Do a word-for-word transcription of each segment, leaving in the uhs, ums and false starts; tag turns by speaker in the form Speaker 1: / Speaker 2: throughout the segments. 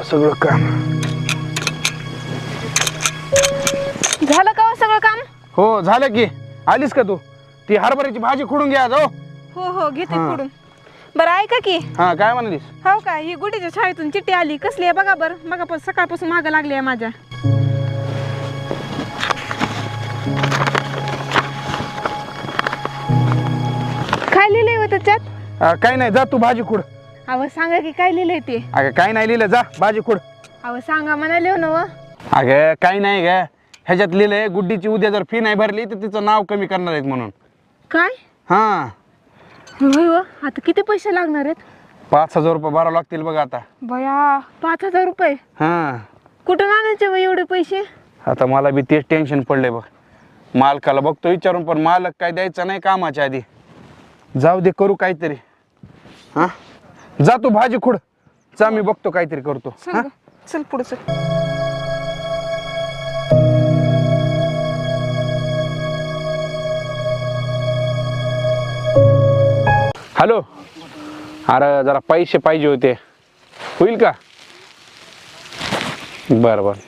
Speaker 1: सगळं काम.
Speaker 2: झालं का हो सगळं काम?
Speaker 1: हो झालं की. आलीस का तू? ती हरभऱ्याची भाजी खुडून घ्या जाऊ.
Speaker 2: हो हो घेते
Speaker 1: हा.
Speaker 2: फोडून. बरं ऐका की.
Speaker 1: हा काय म्हणालीस?
Speaker 2: हो का, ही गुडीच्या शाळेतून चिठ्ठी आली, कसली आहे बघा बरं. बघा पण सकाळपासून मागं लागली आहे माझ्या. काय लिहिलंय हो त्याच्यात?
Speaker 1: अं, काय नाही, जा तू भाजी खुड.
Speaker 2: अहो सांगा की काय लिहिलंय ते.
Speaker 1: अगं काय नाही लिहिलं, जा भाजी खुड.
Speaker 2: अहो सांगा म्हणाले हो ना व.
Speaker 1: अगं काय नाही ग, ह्याच्यात लिहिलंय गुड्डीची उद्या जर फी नाही भरली तर तिचं नाव कमी करणार आहेत म्हणून.
Speaker 2: काय
Speaker 1: हा
Speaker 2: होय व, आता किती पैसे लागणार आहेत?
Speaker 1: पाच हजार रुपये भरावं लागतील बघा आता.
Speaker 2: बया पाच हजार रुपये
Speaker 1: हा
Speaker 2: कुठून आणायचे व एवढे पैसे?
Speaker 1: आता मला बी तेच टेन्शन पडलंय बघ. मालकाला बघतो विचारून, पण मालक काय द्यायचं नाही कामाच्या आधी. जाऊ दे, करू काहीतरी. हा जा तू भाजी खुड, जा मी बघतो काहीतरी करतो.
Speaker 2: चल
Speaker 1: हा
Speaker 2: ग, चल पुढे चल.
Speaker 1: हॅलो, अरे जरा पैसे पाहिजे होते, होईल का? बरं बरं.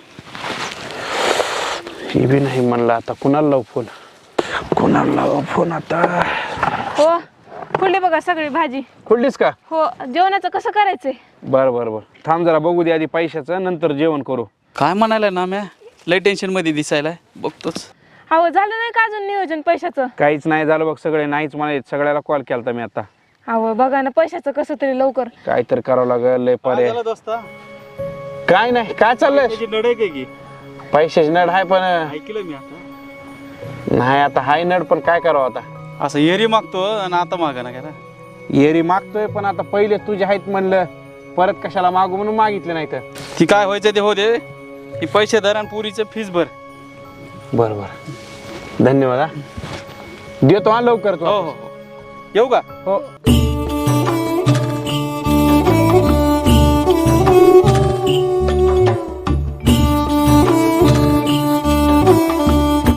Speaker 1: हे बी नाही म्हणलं, आता कुणाला लावू फोन? कुणाला लावू फोन आता?
Speaker 2: हो खुडली बघा सगळी भाजी.
Speaker 1: खुडलीस का?
Speaker 2: हो, जेवणाचं कसं करायचंय?
Speaker 1: बरं बरं बरं, थांब जरा बघू दे आधी पैशाचं, नंतर जेवण करू.
Speaker 3: काय म्हणायला ना म्या, लय टेन्शन मध्ये दिसायला बघतोच.
Speaker 2: अहो झालं नाही का अजून नियोजन पैशाचं?
Speaker 1: काहीच नाही झालं बघ, सगळे नाहीच म्हणाले. सगळ्याला कॉल केलता मी आता.
Speaker 2: अहो बघा ना, पैशाचं कसं तरी लवकर.
Speaker 1: काहीतरी करावं लागेल, लय पर्याय. काय नाही, काय चाललंय?
Speaker 3: लढाई काय की
Speaker 1: पैशाची नड आहे, पण
Speaker 3: ऐकलं मी आता.
Speaker 1: नाही आता हाय नड, पण काय करावं आता?
Speaker 3: असं एरी मागतो आणि आता मागा ना काय
Speaker 1: येरी मागतोय, पण आता पहिले तुझे आहेत म्हणलं, परत कशाला मागू म्हणून मागितले नाही तर.
Speaker 3: ती काय व्हायचं ते हो दे, ही पैसे धर आणि पुरीचं फीस भर.
Speaker 1: बरं बरं, धन्यवाद. हा देतो हा लवकर तू.
Speaker 3: हो हो हो, येऊ का?
Speaker 1: हो.